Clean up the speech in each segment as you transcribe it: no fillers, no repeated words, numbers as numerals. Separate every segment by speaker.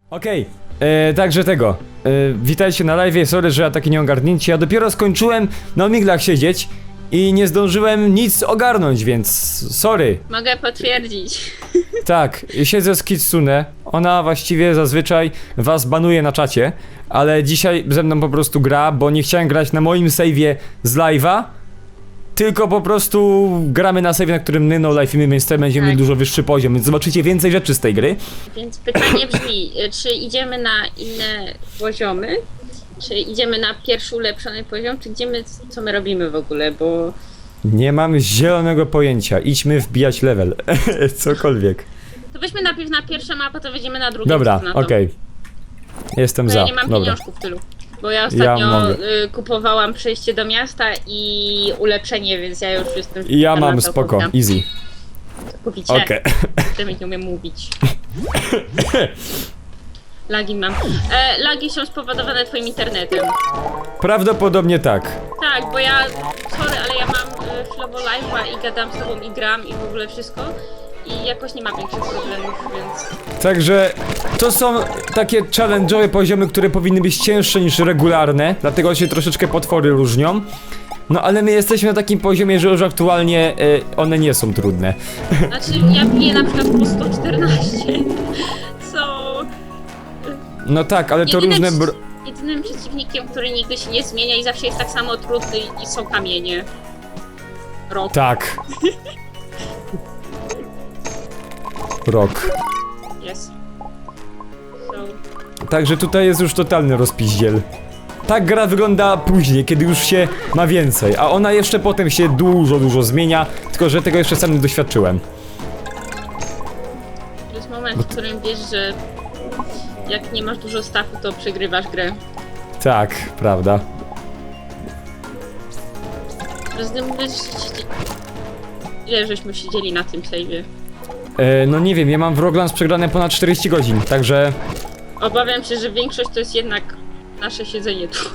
Speaker 1: Okej, także tego. Witajcie na live, sorry, że ja taki nieogarnięcie. Ja dopiero skończyłem na omiglach siedzieć i nie zdążyłem nic ogarnąć, więc sorry.
Speaker 2: Mogę potwierdzić.
Speaker 1: Tak, siedzę z Kitsune. Ona właściwie zazwyczaj was banuje na czacie, ale dzisiaj ze mną po prostu gra, bo nie chciałem grać na moim save'ie z live'a. Tylko po prostu gramy na save, na którym my no life'imy, więc tutaj będziemy mieli dużo wyższy poziom, więc zobaczycie więcej rzeczy z tej gry.
Speaker 2: Więc pytanie brzmi, czy idziemy na inne poziomy? Czy idziemy na pierwszy ulepszony poziom? Czy co my robimy w ogóle? Bo
Speaker 1: Nie mam zielonego pojęcia, idźmy wbijać level, cokolwiek.
Speaker 2: to weźmy najpierw na pierwszą, a potem wejdziemy na drugą.
Speaker 1: Dobra,
Speaker 2: na to.
Speaker 1: okej. Jestem
Speaker 2: Bo
Speaker 1: za,
Speaker 2: ja nie mam
Speaker 1: dobra.
Speaker 2: pieniążków tylu. Bo ja ostatnio
Speaker 1: mogę.
Speaker 2: kupowałam przejście do miasta i ulepszenie, więc ja już jestem...
Speaker 1: Ja
Speaker 2: na
Speaker 1: mam
Speaker 2: to
Speaker 1: spoko,
Speaker 2: kupiłam.
Speaker 1: easy.
Speaker 2: Kupicie.
Speaker 1: Okej.
Speaker 2: Przynajmniej nie umiem mówić. Lagi mam. Lagi są spowodowane twoim internetem.
Speaker 1: Prawdopodobnie tak.
Speaker 2: Tak, bo ja, sorry, ale ja mam chwilowo live'a i gadam z tobą i gram i w ogóle wszystko. I jakoś nie mam większych problemów, więc...
Speaker 1: Także to są takie challenge'owe poziomy, które powinny być cięższe niż regularne, dlatego się troszeczkę potwory różnią. No ale my jesteśmy na takim poziomie, że już aktualnie one nie są trudne.
Speaker 2: Znaczy, ja biję na przykład po 114, co...
Speaker 1: No tak, ale to różne
Speaker 2: Jedynym przeciwnikiem, który nigdy się nie zmienia i zawsze jest tak samo trudny i są kamienie. Rok.
Speaker 1: Tak. Rok.
Speaker 2: Jest. So...
Speaker 1: Także tutaj jest już totalny rozpiździel. Tak gra wygląda później, kiedy już się ma więcej, a ona jeszcze potem się dużo zmienia, tylko że tego jeszcze sam nie doświadczyłem.
Speaker 2: To jest moment, w którym wiesz, że jak nie masz dużo staffu, to przegrywasz grę.
Speaker 1: Tak, prawda.
Speaker 2: Ile żeśmy siedzieli na tym save'ie?
Speaker 1: No nie wiem, ja mam w Roglans przegrane ponad 40 godzin, także...
Speaker 2: Obawiam się, że większość to jest jednak nasze siedzenie tu.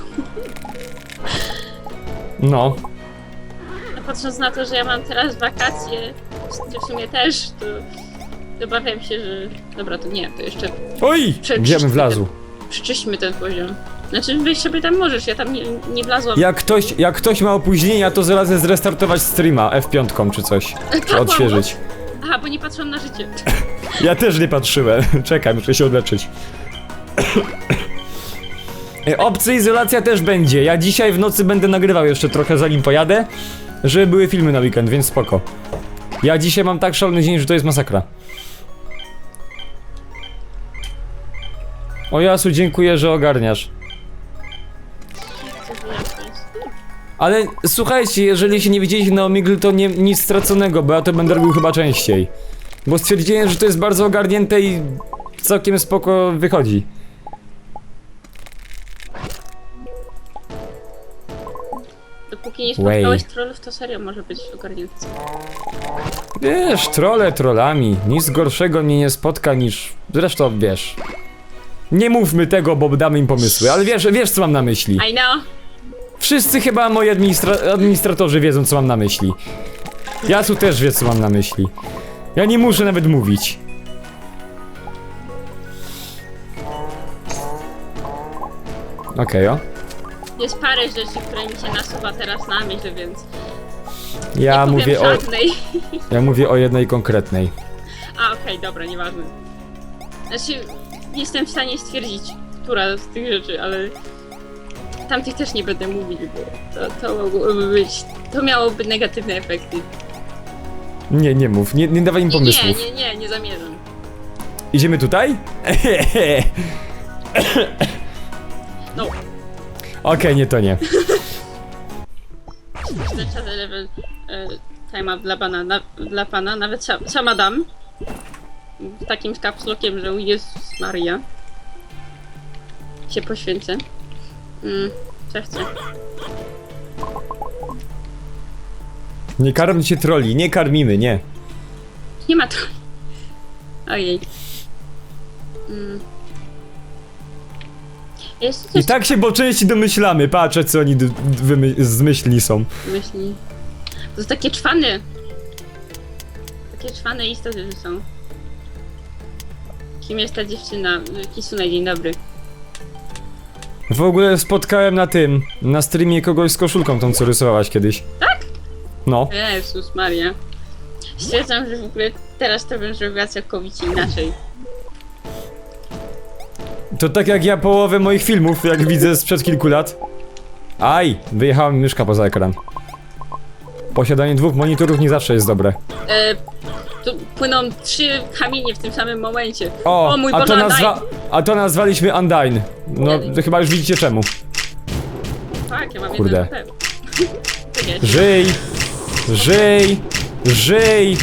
Speaker 1: No.
Speaker 2: A patrząc na to, że ja mam teraz wakacje, ty w sumie też, to obawiam się, że... Dobra, to nie, to jeszcze
Speaker 1: Oj! Gdzie bym wlazł?
Speaker 2: przyczyśmy ten poziom. Znaczy, wyjść sobie tam możesz, ja tam nie wlazłam.
Speaker 1: Jak ktoś ma opóźnienia, to zarazem zrestartować streama F5 czy coś. Czy odświeżyć.
Speaker 2: Aha, bo nie patrzą na życie.
Speaker 1: Ja też nie patrzyłem. Czekaj, muszę się odleczyć. Opcja izolacja też będzie. Ja dzisiaj w nocy będę nagrywał jeszcze trochę zanim pojadę, żeby były filmy na weekend, więc spoko. Ja dzisiaj mam tak szalony dzień, że to jest masakra. O Jasu, dziękuję, że ogarniasz.
Speaker 2: Co wyjaśnić?
Speaker 1: Ale słuchajcie, jeżeli się nie widzieliście na Omegle, to nic straconego, bo ja to będę robił chyba częściej. Bo stwierdziłem, że to jest bardzo ogarnięte i całkiem spoko wychodzi.
Speaker 2: Dopóki nie spotkałeś trollów, to serio może być ogarnięty.
Speaker 1: Wiesz, trolle trollami, nic gorszego mnie nie spotka niż... Zresztą wiesz... Nie mówmy tego, bo damy im pomysły, ale wiesz co mam na myśli.
Speaker 2: I know!
Speaker 1: Wszyscy chyba moi administratorzy wiedzą co mam na myśli. Jasu też wie co mam na myśli. Ja nie muszę nawet mówić. Okej, o.
Speaker 2: Jest parę rzeczy, które mi się nasuwa teraz na myśl, więc
Speaker 1: Ja
Speaker 2: nie
Speaker 1: mówię
Speaker 2: powiem
Speaker 1: o...
Speaker 2: żadnej.
Speaker 1: Ja mówię o jednej konkretnej.
Speaker 2: A, okej, dobra, nieważne. Znaczy, jestem w stanie stwierdzić, która z tych rzeczy, ale tamtych też nie będę mówić, bo to mogłoby być... To miałoby negatywne efekty.
Speaker 1: Nie mów, nie dawaj im pomysłów.
Speaker 2: Nie zamierzam.
Speaker 1: Idziemy tutaj?
Speaker 2: No.
Speaker 1: Okej, nie to nie.
Speaker 2: Znaczony level time'a dla pana, nawet sama dam. Takim kapslokiem, że Jezus Maria. Się poświęcę. Co chcę?
Speaker 1: Nie karmcie troli, nie karmimy, nie.
Speaker 2: Nie ma to. Ojej. Jest
Speaker 1: I
Speaker 2: coś
Speaker 1: tak się po części domyślamy, patrzę co oni zmyślni są.
Speaker 2: myśli. To są takie czwany. Takie czwane istoty, że są. Kim jest ta dziewczyna? Kisune, dzień dobry.
Speaker 1: W ogóle spotkałem na streamie kogoś z koszulką tą, co rysowałaś kiedyś.
Speaker 2: Tak?
Speaker 1: No.
Speaker 2: Jezus Maria. Stwierdzam, że w ogóle teraz to bym zrobiła całkowicie inaczej.
Speaker 1: To tak jak ja połowę moich filmów, jak widzę sprzed kilku lat. Aj! Wyjechała mi myszka poza ekran. Posiadanie 2 monitorów nie zawsze jest dobre.
Speaker 2: Tu płyną 3 kamienie w tym samym momencie.
Speaker 1: O,
Speaker 2: mój
Speaker 1: a
Speaker 2: Boże,
Speaker 1: a to nazwaliśmy Undyne. No, to chyba już widzicie czemu.
Speaker 2: Tak, ja mam
Speaker 1: Kurde.
Speaker 2: jeden HP. Tak jest.
Speaker 1: Żyj! Żyj! Żyj!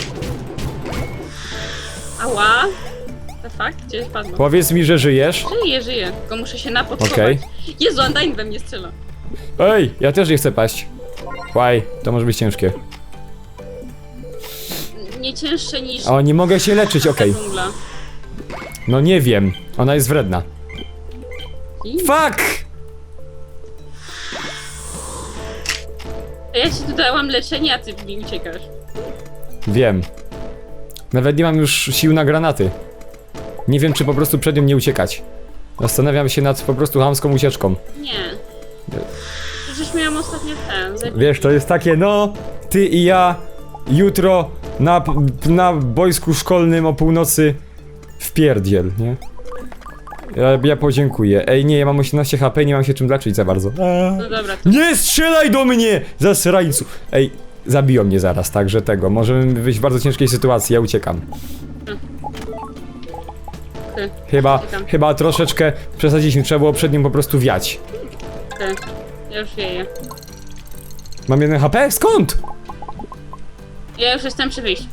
Speaker 2: Ała! The fuck? Gdzie spadło?
Speaker 1: Powiedz mi, że żyjesz.
Speaker 2: Żyję, tylko muszę się napodchować.
Speaker 1: Okej.
Speaker 2: Jezu, Undyne we mnie strzela.
Speaker 1: Ej, ja też nie chcę paść. Łaj, to może być ciężkie.
Speaker 2: Nie cięższe niż
Speaker 1: O, nie mogę się leczyć, okej.
Speaker 2: dżungla.
Speaker 1: No nie wiem, ona jest wredna.
Speaker 2: I-
Speaker 1: Fuck!
Speaker 2: Ja ci tu dałam leczenie, a ty mi uciekasz.
Speaker 1: Wiem. Nawet nie mam już sił na granaty. Nie wiem, czy po prostu przed nią nie uciekać. Zastanawiam się nad po prostu chamską ucieczką.
Speaker 2: Nie. Przecież miałam ostatnio ten.
Speaker 1: Wiesz, to jest takie, no, ty i ja jutro na boisku szkolnym o północy w pierdziel, nie? Ja podziękuję. Ej, nie, ja mam 18 HP, nie mam się czym leczyć za bardzo.
Speaker 2: No dobra, to
Speaker 1: Nie strzelaj do mnie! Zasrańcu! Ej, zabiją mnie zaraz, także tego. Możemy być w bardzo ciężkiej sytuacji, ja uciekam.
Speaker 2: ty,
Speaker 1: Chyba troszeczkę przesadziliśmy, trzeba było przed nim po prostu wiać.
Speaker 2: ty. Ja już wieję.
Speaker 1: Mam 1 HP? Skąd?
Speaker 2: Ja już jestem przy wyjściu.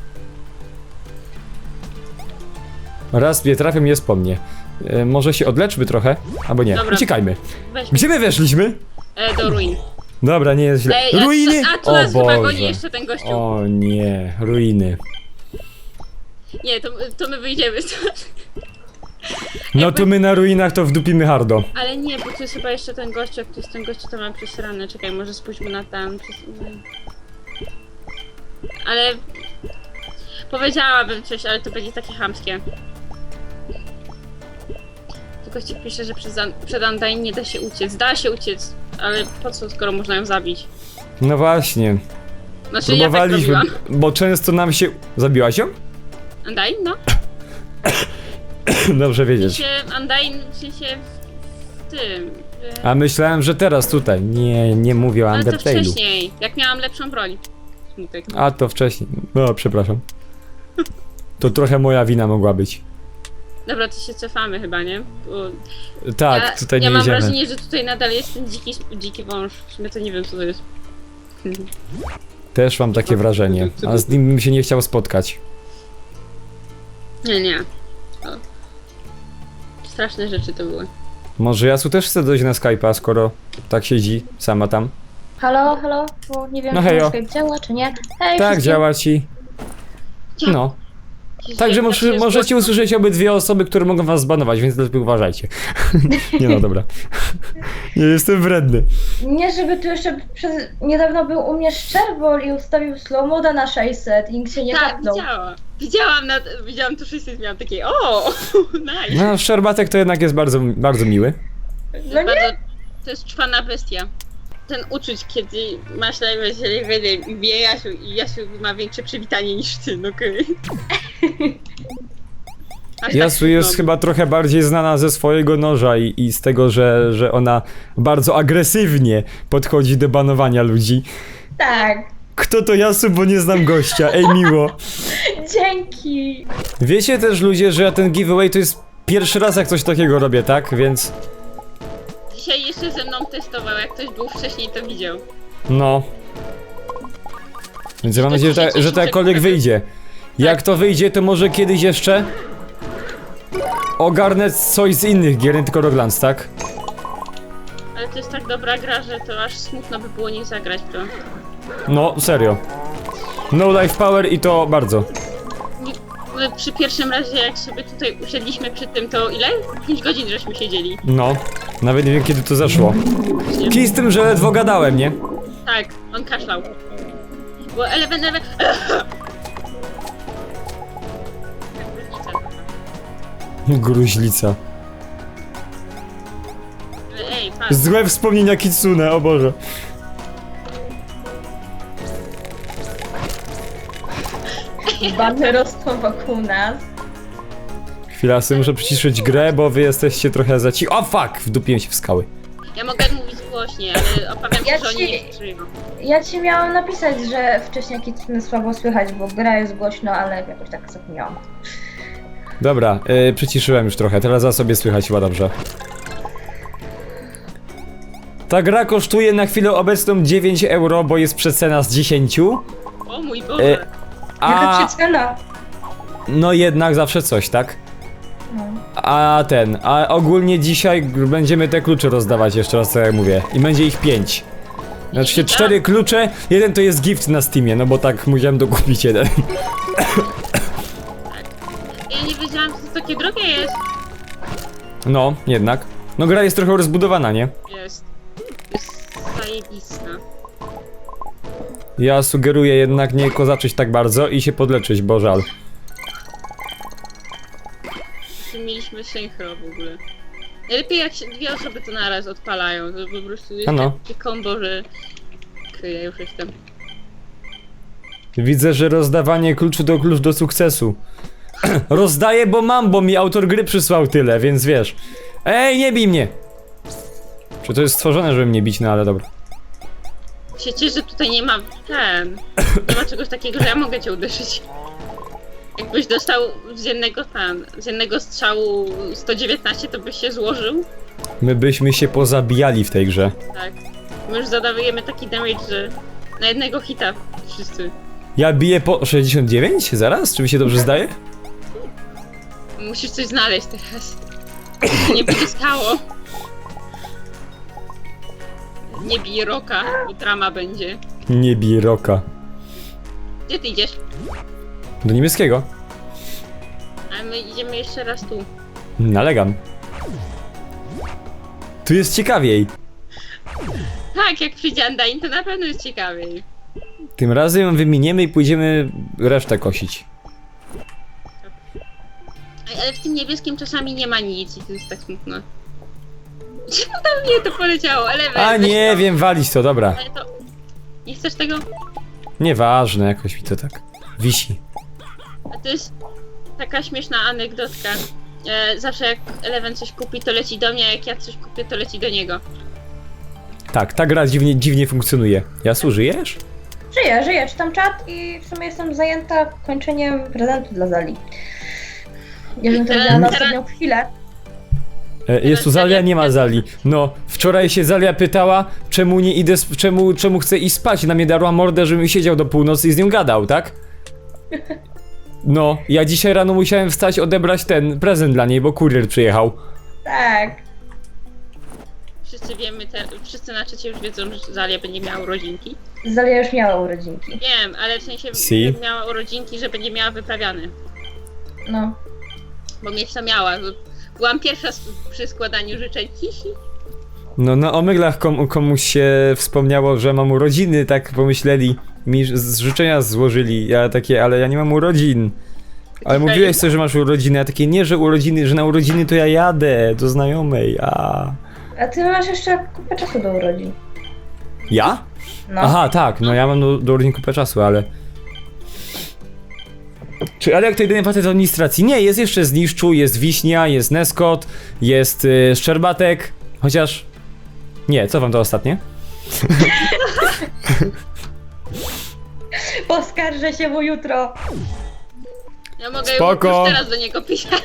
Speaker 1: Raz mnie trafią, jest po mnie. Może się odleczmy trochę? Albo nie.
Speaker 2: Dobra.
Speaker 1: Uciekajmy.
Speaker 2: Weź
Speaker 1: Gdzie my weszliśmy?
Speaker 2: do ruin.
Speaker 1: Dobra, nie jest źle.
Speaker 2: Ej,
Speaker 1: Ruiny!
Speaker 2: A tu
Speaker 1: O
Speaker 2: nas chyba goni
Speaker 1: Boże.
Speaker 2: jeszcze ten gościu.
Speaker 1: O nie, ruiny.
Speaker 2: Nie, to my wyjdziemy stąd.
Speaker 1: No to my na ruinach to wdupimy hardo.
Speaker 2: Ale nie, bo tu jest chyba jeszcze ten gościu, jak tu jest ten gościu, to mam przesrane. Czekaj, może spójrzmy na tam. Ale... Powiedziałabym coś, ale to będzie takie chamskie. Tylko ci pisze, że przed Undyne nie da się uciec. Da się uciec, ale po co, skoro można ją zabić?
Speaker 1: No właśnie.
Speaker 2: Znaczy, ja tak
Speaker 1: Próbowaliśmy,
Speaker 2: robiłam.
Speaker 1: bo często nam się... Zabiłaś ją?
Speaker 2: Undyne, no.
Speaker 1: Dobrze wiedzieć.
Speaker 2: Się Undyne, w sensie w tym...
Speaker 1: A myślałem, że teraz tutaj. Nie mówię o
Speaker 2: Ale to
Speaker 1: Undertale'u.
Speaker 2: wcześniej, jak miałam lepszą broń. Smutek.
Speaker 1: A to wcześniej. No, przepraszam. To trochę moja wina mogła być.
Speaker 2: Dobra, to się cofamy chyba, nie? Bo
Speaker 1: Tak, tutaj nie
Speaker 2: ja mam
Speaker 1: jedziemy.
Speaker 2: wrażenie, że tutaj nadal jest ten dziki wąż. W sumie to nie wiem, co to jest.
Speaker 1: Też mam takie wrażenie. A z nim bym się nie chciał spotkać.
Speaker 2: Nie. O. Straszne rzeczy to były.
Speaker 1: Może Jasu też chce dojść na Skype'a, skoro tak siedzi sama tam.
Speaker 3: Halo, bo nie wiem,
Speaker 1: No
Speaker 3: czy
Speaker 1: hejo.
Speaker 3: Skype działa, czy nie. Hej,
Speaker 1: Tak,
Speaker 3: wszystkim.
Speaker 1: działa ci. No. Także możecie usłyszeć obydwie osoby, które mogą was zbanować, więc lepiej uważajcie. Nie no, dobra. Nie jestem wredny.
Speaker 3: Nie, żeby tu jeszcze niedawno był u mnie Szczerbol i ustawił slow moda na 600 i nikt się nie
Speaker 2: Tak,
Speaker 3: kapnął.
Speaker 2: widziałam tu 600 miałam takie o, nice.
Speaker 1: No, Szczerbatek to jednak jest bardzo, bardzo miły.
Speaker 3: No nie?
Speaker 2: To jest czwana bestia. Ten uczuć, kiedy masz najwyżej i wie Jasiu i Jasiu ma większe przywitanie niż ty, no okej. Aż
Speaker 1: Jasu
Speaker 2: tak
Speaker 1: jest
Speaker 2: trudno.
Speaker 1: chyba trochę bardziej znana ze swojego noża i z tego, że ona bardzo agresywnie podchodzi do banowania ludzi.
Speaker 3: Tak.
Speaker 1: Kto to Jasu, bo nie znam gościa, ej miło.
Speaker 3: Dzięki.
Speaker 1: Wiecie też ludzie, że ja ten giveaway to jest pierwszy raz jak coś takiego robię, tak? Więc
Speaker 2: Dzisiaj jeszcze ze mną testował, jak ktoś był wcześniej to widział.
Speaker 1: no. Więc ja mam nadzieję, że to jakkolwiek wyjdzie. Jak to wyjdzie, to może kiedyś jeszcze ogarnę coś z innych gier, nie tylko Rocklands, tak?
Speaker 2: Ale to jest tak dobra gra, że to aż smutno by było nie zagrać w to.
Speaker 1: No, serio. No life power i to bardzo.
Speaker 2: My przy pierwszym razie, jak sobie tutaj usiedliśmy przy tym, to ile? 5 godzin żeśmy siedzieli.
Speaker 1: No, nawet nie wiem kiedy to zeszło. Kij z tym, że ledwo gadałem, nie?
Speaker 2: Tak, on kaszlał. Bo eleven.
Speaker 1: Gruźlica.
Speaker 2: Ej, patrz.
Speaker 1: Złe wspomnienia Kitsune, o Boże.
Speaker 3: Bany rosną wokół nas.
Speaker 1: Chwila, sobie muszę przyciszyć grę, bo wy jesteście trochę za ci... O fuck! Wdupiłem się w skały.
Speaker 2: Ja mogę mówić głośniej, ale obawiam się,
Speaker 3: Ja
Speaker 2: że oni
Speaker 3: ci-
Speaker 2: nie przyjmą.
Speaker 3: Ja ci miałam napisać, że wcześniej Kitsune słabo słychać, bo gra jest głośno, ale jakoś tak zapomniałam.
Speaker 1: Dobra, przyciszyłem już trochę, teraz za sobie słychać chyba dobrze. Ta gra kosztuje na chwilę obecną 9 euro, bo jest przecena z 10.
Speaker 2: O mój Boże.
Speaker 3: Jaka
Speaker 1: A
Speaker 3: przecena?
Speaker 1: no jednak zawsze coś, tak?
Speaker 3: No.
Speaker 1: A ogólnie dzisiaj będziemy te klucze rozdawać, jeszcze raz co ja mówię. I będzie ich 5. Znaczy 4 klucze, jeden to jest gift na Steamie, no bo tak musiałem dokupić jeden.
Speaker 2: Ja nie wiedziałam, że to takie drogie jest.
Speaker 1: No, jednak. No gra jest trochę rozbudowana, nie?
Speaker 2: Jest. Jest zajebista.
Speaker 1: Ja sugeruję jednak nie kozaczyć tak bardzo i się podleczyć, bo żal.
Speaker 2: Czy mieliśmy synchro w ogóle. Najlepiej jak się dwie osoby to naraz odpalają, to po prostu jest
Speaker 1: Ano.
Speaker 2: takie kombo, że... Ja już jestem.
Speaker 1: Widzę, że rozdawanie kluczu to klucz do sukcesu. Rozdaję, bo mam, bo mi autor gry przysłał tyle, więc wiesz. Ej, nie bij mnie! Czy to jest stworzone, żeby mnie bić, no ale dobra.
Speaker 2: Się cieszę, że tutaj nie ma nie ma czegoś takiego, że ja mogę cię uderzyć. Jakbyś dostał z jednego strzału 119, to byś się złożył.
Speaker 1: My byśmy się pozabijali w tej grze.
Speaker 2: Tak. My już zadawujemy taki damage, że na jednego hita wszyscy.
Speaker 1: Ja biję po 69? Zaraz? Czy mi się dobrze zdaje?
Speaker 2: Musisz coś znaleźć teraz. Nie będzie stało. Nie bij roka, bo drama będzie.
Speaker 1: Nie bij roka.
Speaker 2: Gdzie ty idziesz?
Speaker 1: Do niebieskiego.
Speaker 2: A my idziemy jeszcze raz tu.
Speaker 1: Nalegam. Tu jest ciekawiej.
Speaker 2: Tak, jak przyjdzie Undyne, to na pewno jest ciekawiej.
Speaker 1: Tym razem wyminiemy i pójdziemy resztę kosić.
Speaker 2: Ale w tym niebieskim czasami nie ma nic i to jest tak smutno. Czemu tam mnie to poleciało? Ale
Speaker 1: A
Speaker 2: weź
Speaker 1: nie
Speaker 2: to.
Speaker 1: wiem, walić to, dobra.
Speaker 2: Ale to... Nie chcesz tego?
Speaker 1: Nieważne, jakoś mi to tak wisi.
Speaker 2: A to jest taka śmieszna anegdotka. Zawsze jak Eleven coś kupi, to leci do mnie, a jak ja coś kupię, to leci do niego.
Speaker 1: Tak, ta gra dziwnie funkcjonuje. Jasu, żyjesz?
Speaker 3: Żyję, czytam czat i w sumie jestem zajęta kończeniem prezentu dla Zali. Ja bym to wzięła na ostatnią chwilę.
Speaker 1: Jest tu Zalia? Nie ma Zali. No, wczoraj się Zalia pytała, czemu nie idę, czemu chcę iść spać. Na mnie darła mordę, żebym siedział do północy i z nią gadał, tak? No, ja dzisiaj rano musiałem wstać, odebrać ten prezent dla niej, bo kurier przyjechał.
Speaker 3: Tak.
Speaker 2: Wszyscy wiemy, wszyscy na czacie już wiedzą, że Zalia będzie miała urodzinki.
Speaker 3: Zalia już miała urodzinki.
Speaker 2: Wiem, ale w sensie
Speaker 1: Si.
Speaker 2: miała urodzinki, że będzie miała wyprawiane.
Speaker 3: No.
Speaker 2: Bo mieć to miała. Byłam pierwsza przy składaniu życzeń. Hihi.
Speaker 1: No, na omyglach komuś się wspomniało, że mam urodziny, tak pomyśleli. Mi życzenia złożyli, ja takie, ale ja nie mam urodzin. Ale mówiłeś coś, że masz urodziny, a takie nie, że urodziny, że na urodziny to ja jadę do znajomej, a...
Speaker 3: A ty masz jeszcze kupę czasu do urodzin.
Speaker 1: Ja?
Speaker 3: No.
Speaker 1: Aha, tak, no ja mam do urodzin kupę czasu, ale... Ale jak to jedyny facet z administracji? Nie, jest jeszcze Zniszczu, jest Wiśnia, jest Neskot, jest Szczerbatek, chociaż... Nie, co wam to ostatnie?
Speaker 3: Poskarżę się mu jutro.
Speaker 2: Ja mogę
Speaker 1: Spoko.
Speaker 2: już teraz do niego pisać.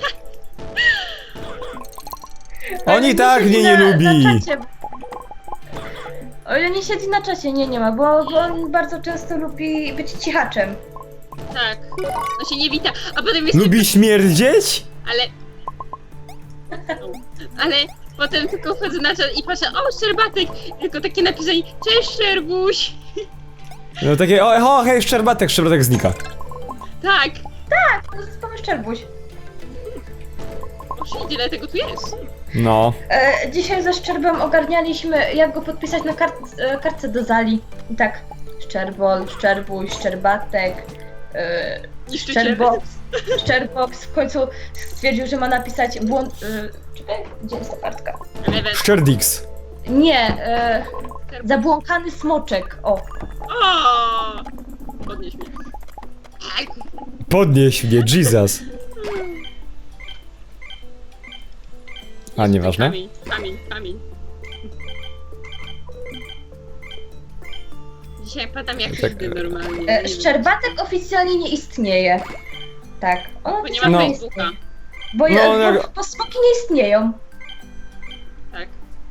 Speaker 1: On i tak
Speaker 3: siedzi
Speaker 1: mnie nie
Speaker 3: na
Speaker 1: lubi.
Speaker 3: czacie. O ile nie siedzi na czacie, nie ma, bo on bardzo często lubi być cichaczem.
Speaker 2: Tak. On się nie wita. A potem jest...
Speaker 1: Lubi śmierdzieć?
Speaker 2: Ale potem tylko wchodzę na czat i patrzę, o, Szczerbatek! Tylko takie napisanie, cześć Szczerbuś!
Speaker 1: No takie, hej, Szczerbatek znika.
Speaker 2: Tak!
Speaker 3: To jest pan Szczerbuś.
Speaker 2: O, tyle tego tu jest.
Speaker 1: No.
Speaker 3: Dzisiaj ze Szczerbem ogarnialiśmy, jak go podpisać na kartce do Zali. I tak, Szczerbol, Szczerbuś, Szczerbatek,
Speaker 2: Niszczyciel.
Speaker 3: Szczerbot. Sherbox w końcu stwierdził, że ma napisać czekaj, gdzie jest ta kartka?
Speaker 2: Lewe.
Speaker 1: Szczerdix.
Speaker 3: Nie, zabłąkany smoczek, o.
Speaker 2: O! Podnieś mnie. Aj.
Speaker 1: Podnieś mnie, Jesus. A, nieważne.
Speaker 2: Kamień. Dzisiaj padam jak
Speaker 1: Tak,
Speaker 2: nigdy normalnie. Nie wiem.
Speaker 3: Szczerbatek oficjalnie nie istnieje. Tak, on
Speaker 2: Bo nie
Speaker 3: oficjalnie
Speaker 2: ma
Speaker 1: No.
Speaker 2: Facebooka.
Speaker 3: Bo,
Speaker 1: No,
Speaker 3: bo smoki nie istnieją.
Speaker 2: Tak.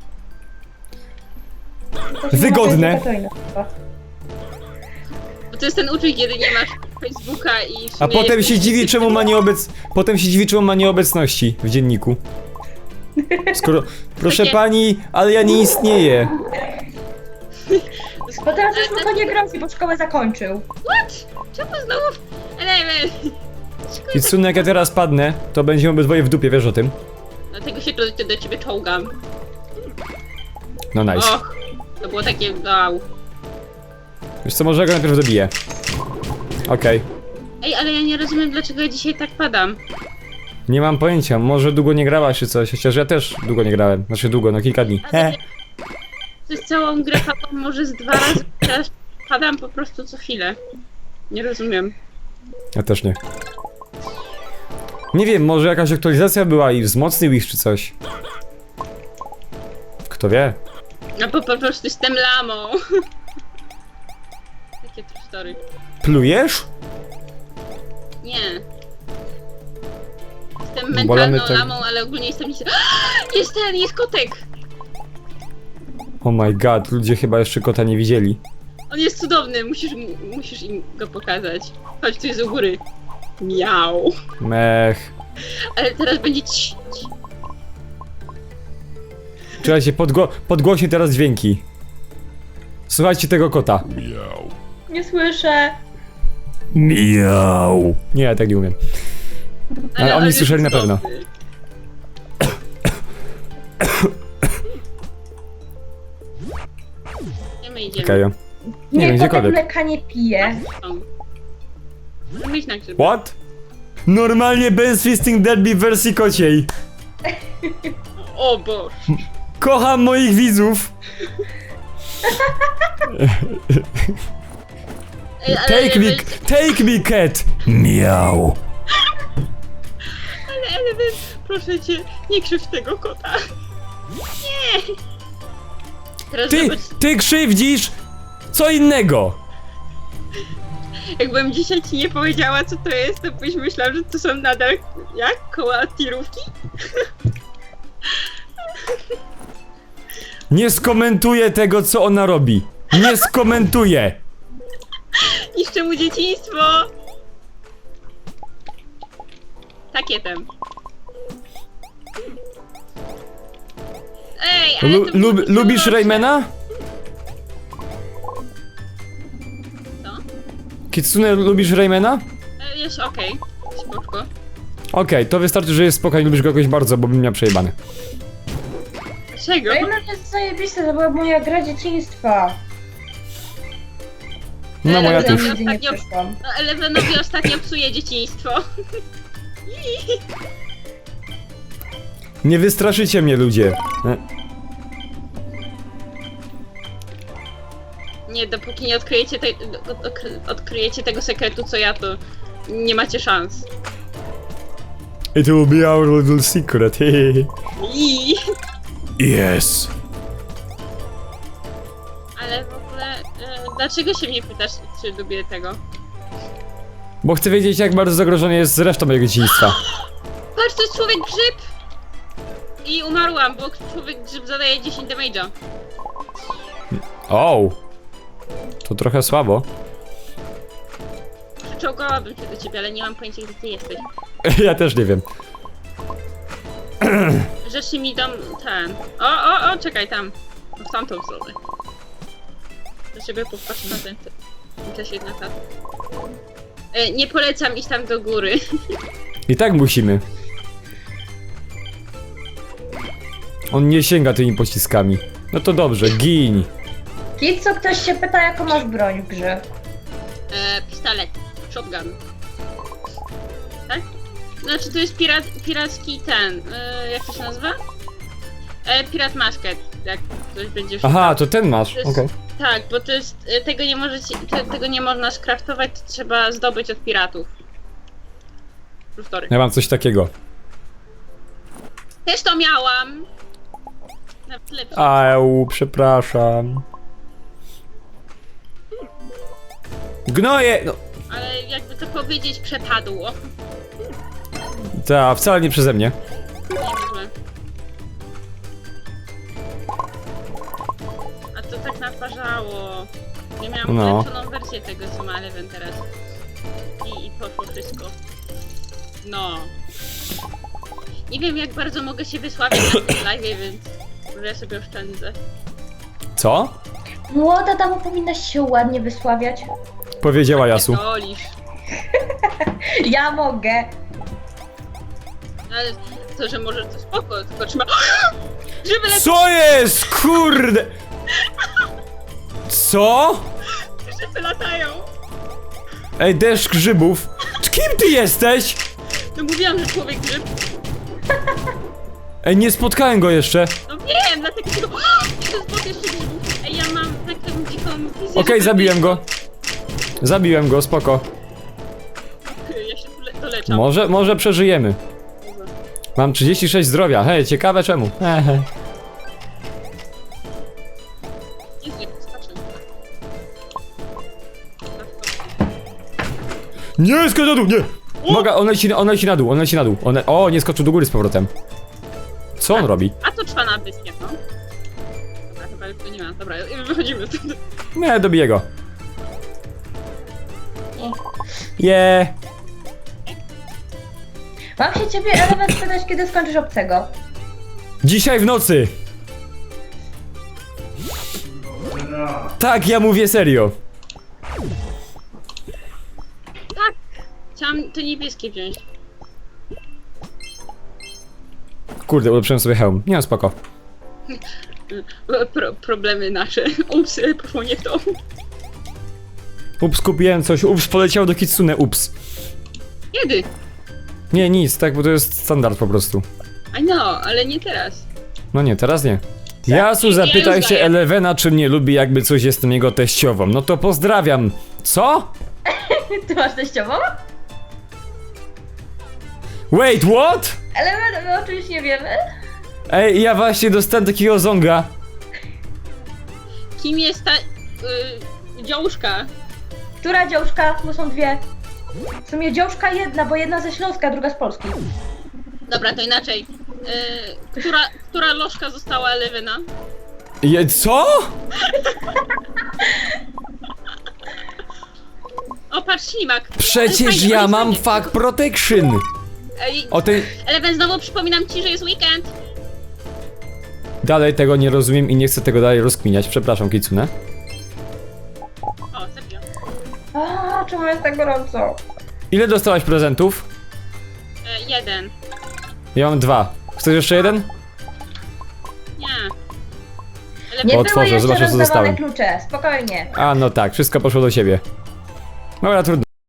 Speaker 3: To się
Speaker 1: Wygodne.
Speaker 3: nazywa Katarina chyba.
Speaker 2: Bo to jest ten uczuć, kiedy nie masz Facebooka i w
Speaker 1: A
Speaker 2: sumie
Speaker 1: potem
Speaker 2: jest-
Speaker 1: się dziwi, czemu ma Potem się dziwi, czemu ma nieobecności w dzienniku. Skoro... Proszę pani, ale ja nie istnieję.
Speaker 3: Bo teraz już mu to nie grozi, bo szkołę zakończył.
Speaker 2: What? Czemu znowu? Element.
Speaker 1: Kitsune, jak ja teraz padnę, to będziemy obydwoje w dupie, wiesz o tym?
Speaker 2: Dlatego się do ciebie czołgam.
Speaker 1: No nice.
Speaker 2: Och, to było takie wow.
Speaker 1: Wiesz co, może ja go najpierw zabiję. Okej.
Speaker 2: Ej, ale ja nie rozumiem, dlaczego ja dzisiaj tak padam.
Speaker 1: Nie mam pojęcia, może długo nie grałaś czy coś, chociaż ja też długo nie grałem. Znaczy długo, no kilka dni.
Speaker 2: Ale przez całą grę padam może z 2 razy, teraz padam po prostu co chwilę. Nie rozumiem.
Speaker 1: Ja też nie. Nie wiem, może jakaś aktualizacja była i wzmocnił ich czy coś. Kto wie?
Speaker 2: No bo po prostu jestem lamą. Takie true story.
Speaker 1: Plujesz?
Speaker 2: Nie. Jestem
Speaker 1: Bolamy
Speaker 2: mentalną
Speaker 1: tak-
Speaker 2: lamą, ale ogólnie jestem... jest kotek!
Speaker 1: Oh my god, ludzie chyba jeszcze kota nie widzieli.
Speaker 2: On jest cudowny, musisz im go pokazać. Chodź, tu jest u góry. Miau.
Speaker 1: Mech.
Speaker 2: Ale teraz będzie ci.
Speaker 1: Czekajcie, podgłośnie teraz dźwięki. Słuchajcie tego kota.
Speaker 3: Nie słyszę.
Speaker 1: Miau. Nie, ja tak nie umiem. Ale oni
Speaker 2: on jest
Speaker 1: słyszeli na pewno.
Speaker 2: cudowny. Gdzie my idziemy?
Speaker 1: Okej. Nie wiem,
Speaker 3: Nie, kotek
Speaker 1: gdziekolwiek.
Speaker 3: mleka nie pije.
Speaker 2: Są. Możemy iść na grzyby.
Speaker 1: What? Normalnie Ben's Fisting Derby w wersji kociej.
Speaker 2: O Boże.
Speaker 1: Kocham moich widzów.
Speaker 2: Ej, ale
Speaker 1: Take me cat. Miau.
Speaker 2: Ale Element, proszę cię, nie krzyw tego kota. Nie. Teraz zobacz,
Speaker 1: Ty krzywdzisz co innego.
Speaker 2: jakbym dzisiaj ci nie powiedziała, co to jest, to byś myślał, że to są nadal, jak, koła tirówki?
Speaker 1: Nie skomentuję tego, co ona robi. Nie skomentuję.
Speaker 2: Niszczę mu dzieciństwo! Takietem. Ej, ale to było
Speaker 1: Lubisz
Speaker 2: dobrze.
Speaker 1: Raymana?
Speaker 2: Co?
Speaker 1: Kitsune, lubisz Raymana?
Speaker 2: Jest okej. Spoko.
Speaker 1: Okej, to wystarczy, że jest spokojny, lubisz go jakoś bardzo, bo bym miał przejebane.
Speaker 2: Czego?
Speaker 3: Rayman jest zajebiste, to była moja gra dzieciństwa.
Speaker 1: No moja
Speaker 2: Ale
Speaker 1: też.
Speaker 3: Nigdy nie
Speaker 2: Ostatnio-
Speaker 3: przeszłam.
Speaker 2: No, Elevenowi ostatnio psuje dzieciństwo.
Speaker 1: Nie wystraszycie mnie, ludzie.
Speaker 2: Nie, dopóki nie odkryjecie, odkryjecie tego sekretu, co ja, to nie macie szans.
Speaker 1: It will be our little secret.
Speaker 2: I...
Speaker 1: Yes.
Speaker 2: Ale w ogóle, dlaczego się mnie pytasz, czy lubię tego?
Speaker 1: Bo chcę wiedzieć, jak bardzo zagrożony jest reszta mojego dzieciństwa.
Speaker 2: Patrz, to jest człowiek grzyb! I umarłam, bo człowiek grzyb zadaje 10 damage'a.
Speaker 1: O, to trochę słabo.
Speaker 2: Przyczołgałabym się do ciebie, ale nie mam pojęcia, gdzie ty jesteś.
Speaker 1: Ja też nie wiem.
Speaker 2: Rzeczy mi dom ten. O, czekaj tam. W tamtą stronę. Do ciebie popatrzę na ten. Też jedna ta. Nie polecam iść tam do góry.
Speaker 1: I tak musimy. On nie sięga tymi pociskami. No to dobrze, gin.
Speaker 3: Kit, co ktoś się pyta, jaką masz broń w grze?
Speaker 2: Pistolet. Shotgun. Tak? Znaczy to jest piracki ten, jak to się nazywa? Pirat Masket, jak ktoś będzie szukał.
Speaker 1: Aha, to ten masz,
Speaker 2: To jest-
Speaker 1: okej.
Speaker 2: Tak, bo to jest, tego nie można skraftować, to trzeba zdobyć od piratów. True story.
Speaker 1: Ja mam coś takiego.
Speaker 2: Też to miałam! Nawet lepsze.
Speaker 1: Au, przepraszam. Gnoje! No,
Speaker 2: Ale jakby to powiedzieć, przepadło.
Speaker 1: ta, wcale nie przeze mnie.
Speaker 2: Niemożliwe. A to tak naparzało. Ja miałam
Speaker 1: No.
Speaker 2: ulepszoną wersję tego, co ma Eleven teraz. I poszło wszystko. No. Nie wiem, jak bardzo mogę się wysławić na tym live, więc może ja sobie oszczędzę.
Speaker 1: Co?
Speaker 3: Młoda dama powinna się ładnie wysławiać.
Speaker 1: Powiedziała Jasu.
Speaker 2: Dolisz.
Speaker 3: Ja mogę.
Speaker 2: Ale to, że może to spoko, tylko trzeba... Żeby lepiej,
Speaker 1: Co jest? Kurde! Co?
Speaker 2: żeby latają.
Speaker 1: Ej, deszcz grzybów. Kim ty jesteś?
Speaker 2: No mówiłam, że człowiek grzyb.
Speaker 1: Ej, nie spotkałem go jeszcze.
Speaker 2: No wiem, dlatego tylko... To jest bot jeszcze grzybów. Ej, ja mam taką dziką wizję.
Speaker 1: Okej,
Speaker 2: że-
Speaker 1: zabiłem go. Zabiłem go, spoko.
Speaker 2: Ja się doleczam.
Speaker 1: Może przeżyjemy. Mam 36 zdrowia. Hej, ciekawe czemu. Ehe.
Speaker 2: Jezu, jak skaczę.
Speaker 1: Nie, skocz na dół, nie! Mogę, on leci na dół, on leci na dół. O, nie skoczył do góry z powrotem. Co on robi?
Speaker 2: A to trwa na wyspie, no. Dobra, chyba już to nie ma. Dobra, wychodzimy stąd.
Speaker 1: Nie, dobiję go. Je.
Speaker 3: Mam się ciebie, Eleven, spytać, kiedy skończysz obcego.
Speaker 1: Dzisiaj w nocy. Tak, ja mówię serio.
Speaker 2: Tak! Chciałam to niebieskie wziąć.
Speaker 1: Kurde, ulepszyłem sobie hełm. Nie, no, spoko.
Speaker 2: Problemy nasze. Ups, poszło nie w to.
Speaker 1: Ups, kupiłem coś. Ups, poleciał do Kitsune. Ups.
Speaker 2: Kiedy?
Speaker 1: Nie, nic, tak, bo to jest standard po prostu.
Speaker 2: I know, ale nie teraz.
Speaker 1: No nie, teraz nie. Jasu, zapytaj
Speaker 2: już
Speaker 1: się
Speaker 2: daję.
Speaker 1: Elevena, czy mnie lubi, jakby coś jestem jego teściową. No to pozdrawiam. Co?
Speaker 3: Ty masz teściową?
Speaker 1: Wait, what?
Speaker 3: Eleven, my oczywiście nie wiemy.
Speaker 1: Ej, ja właśnie dostałem takiego zonga.
Speaker 2: Kim jest ta... dziążka?
Speaker 3: Która dziążka? Bo są dwie. W sumie dziążka jedna, bo jedna ze Śląska, druga z Polski.
Speaker 2: Dobra, to inaczej. Która lożka została Elevena?
Speaker 1: Co?
Speaker 2: O, patrz, ślimak.
Speaker 1: Przecież
Speaker 2: Fajnie,
Speaker 1: ja
Speaker 2: fajnie,
Speaker 1: mam
Speaker 2: fajnie.
Speaker 1: fuck protection.
Speaker 2: Ej,
Speaker 1: O tej...
Speaker 2: Eleven, znowu przypominam ci, że jest weekend.
Speaker 1: Dalej tego nie rozumiem i nie chcę tego dalej rozkminiać. Przepraszam, Kitsune.
Speaker 2: O, zabiłam.
Speaker 3: A, czemu jest tak gorąco?
Speaker 1: Ile dostałaś prezentów?
Speaker 2: Jeden.
Speaker 1: Ja mam 2. Chcesz jeszcze jeden?
Speaker 2: Nie.
Speaker 3: Nie
Speaker 1: Otworzę,
Speaker 3: były jeszcze
Speaker 1: zobaczę, co
Speaker 3: rozdawane
Speaker 1: dostałem.
Speaker 3: klucze, spokojnie.
Speaker 1: A, no tak, wszystko poszło do siebie. Dobra, trudno.